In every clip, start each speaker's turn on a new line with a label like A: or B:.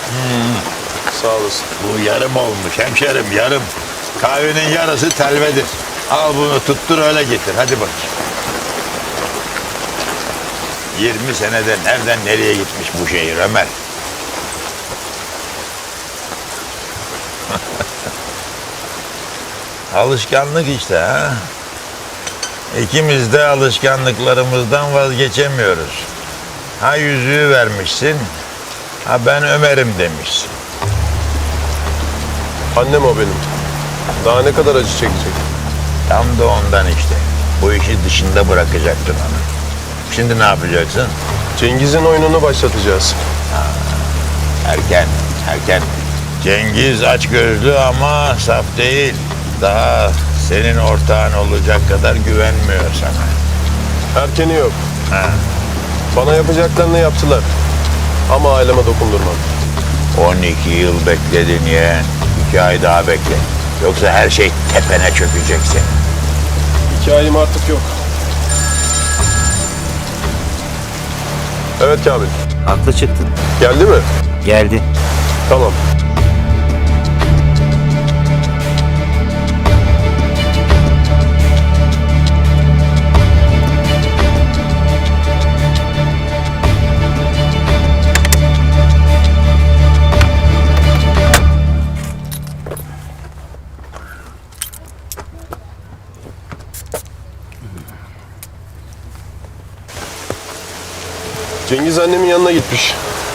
A: Sağ olasın.
B: Bu yarım olmuş hemşerim, yarım. Kahvenin yarısı telvedir. Al bunu tuttur öyle getir. Hadi bakayım. 20 senede nereden nereye gitmiş bu şehir Ömer? Alışkanlık işte ha. İkimiz de alışkanlıklarımızdan vazgeçemiyoruz. Ha yüzüğü vermişsin, ha ben Ömer'im demişsin.
A: Annem o benim. Daha ne kadar acı çekecek?
B: Tam da ondan işte. Bu işi dışında bırakacaktın onu. Şimdi ne yapacaksın?
A: Cengiz'in oyununu başlatacağız.
B: Erken. Cengiz açgözlü ama saf değil. Daha senin ortağın olacak kadar güvenmiyor sana.
A: Erkeni yok.
B: Ha.
A: Bana yapacaklarını yaptılar. Ama aileme dokundurmam.
B: 12 yıl bekledin yeğen. 2 ay daha bekle. Yoksa her şey tepene çökecek senin.
A: Hikayem artık yok. Evet Kamil.
C: Haklı çıktın.
A: Geldi mi?
C: Geldi.
A: Tamam. Cengiz annemin yanına gitmiş.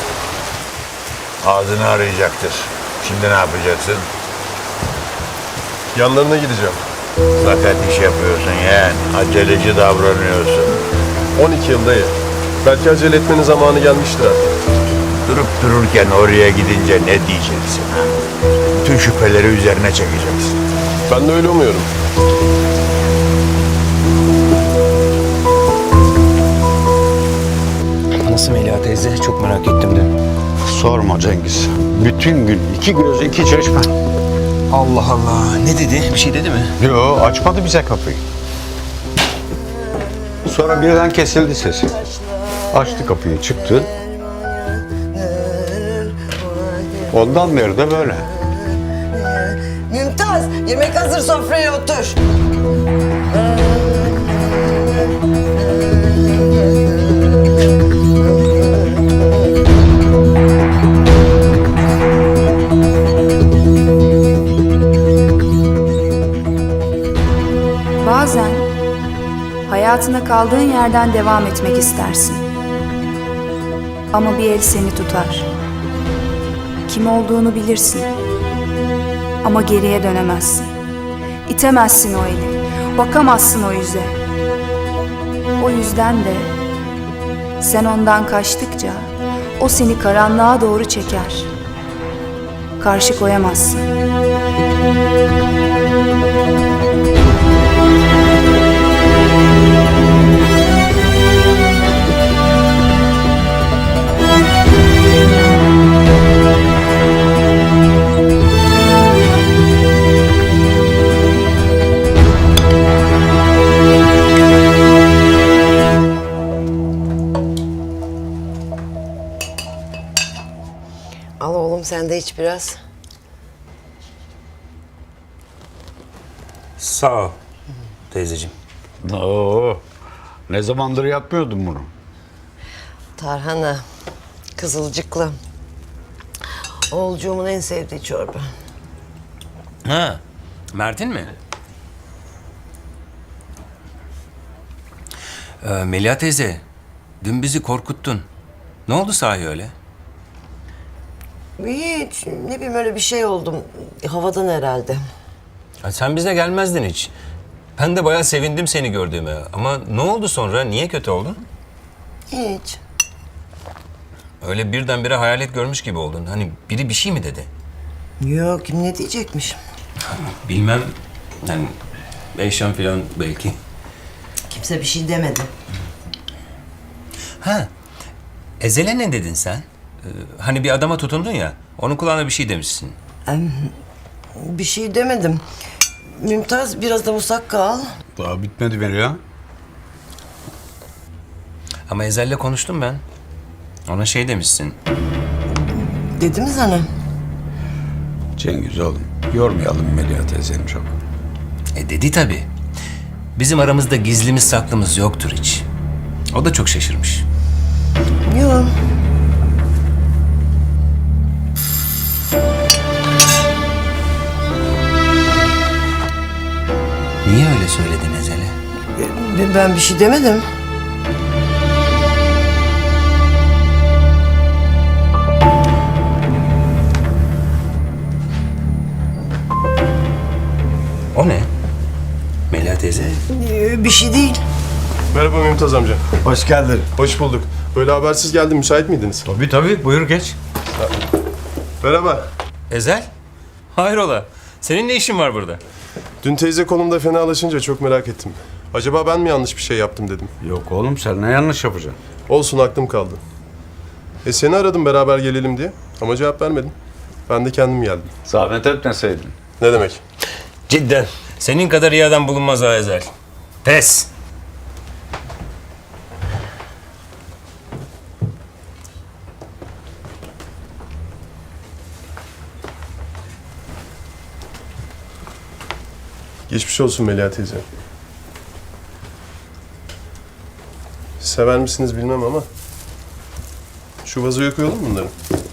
B: Ağzını arayacaktır. Şimdi ne yapacaksın?
A: Yanlarına gideceğim.
B: Fakat iş yapıyorsun yeğen. Aceleci davranıyorsun.
A: 12 yıldayı. Belki acele etmenin zamanı gelmiştir artık.
B: Durup dururken oraya gidince ne diyeceksin? Ha? Bütün şüpheleri üzerine çekeceksin.
A: Ben de öyle umuyorum.
C: Nasıl Melia teyze? Çok merak ettim de.
D: Sorma Cengiz. Bütün gün iki göz iki çeşme.
C: Allah Allah. Ne dedi? Bir şey dedi mi?
D: Yo, açmadı bize kapıyı. Sonra birden kesildi sesi. Açtı kapıyı, çıktı. Ondan beri de böyle.
E: Mümtaz, yemek hazır, sofraya otur.
F: Bazen hayatına kaldığın yerden devam etmek istersin. Ama bir el seni tutar. Kim olduğunu bilirsin. Ama geriye dönemezsin. İtemezsin o eli. Bakamazsın o yüze. O yüzden de sen ondan kaçtıkça o seni karanlığa doğru çeker. Karşı koyamazsın.
E: Al oğlum sen de iç biraz.
C: Sağ ol teyzeciğim.
D: Oo, ne zamandır yapmıyordum bunu.
E: Tarhana, kızılcıklı. Oğulcuğumun en sevdiği çorba.
G: Ha, Mert'in mi? Melia teyze, dün bizi korkuttun. Ne oldu sahi öyle?
E: Hiç, ne bileyim öyle bir şey oldum. Havadan herhalde.
G: Ha, sen bize gelmezdin hiç. Ben de bayağı sevindim seni gördüğüme. Ama ne oldu sonra? Niye kötü oldun?
E: Hiç.
G: Öyle birdenbire hayalet görmüş gibi oldun. Hani biri bir şey mi dedi?
E: Yok, kim ne diyecekmiş?
G: Bilmem. Yani Eyşan falan belki.
E: Kimse bir şey demedi.
G: Ha, Ezel'e ne dedin sen? Hani bir adama tutundun ya. Onun kulağına bir şey demişsin.
E: Bir şey demedim. Mümtaz biraz da musakka al.
D: Daha bitmedi beni ya.
G: Ama Ezel'le konuştum ben. Ona şey demişsin.
E: Dedi mi sana?
D: Cengiz oğlum, yormayalım Melia teyzeni çok.
G: Dedi tabii. Bizim aramızda gizlimiz saklımız yoktur hiç. O da çok şaşırmış.
E: Yok.
G: Niye öyle söyledin Ezel'e?
E: Ben bir şey demedim.
G: O ne? Melia teyze.
E: Bir şey değil.
A: Merhaba Mümtaz amca.
D: Hoş geldin.
A: Hoş bulduk. Böyle habersiz geldim. Müsait miydiniz?
D: Tabii, buyur geç.
A: Merhaba.
G: Ezel? Hayrola? Senin ne işin var burada?
A: Dün teyze kolumda fenalaşınca çok merak ettim. Acaba ben mi yanlış bir şey yaptım dedim.
D: Yok oğlum, sen ne yanlış yapacaksın?
A: Olsun, aklım kaldı. Seni aradım beraber gelelim diye ama cevap vermedin. Ben de kendim geldim.
D: Zahmet etmeseydin.
A: Ne demek?
G: Cidden. Senin kadar iyi adam bulunmaz ha Ezel. Pes.
A: Geçmiş olsun Melia teyze. Sever misiniz bilmem ama şu vazoya koyalım bunları.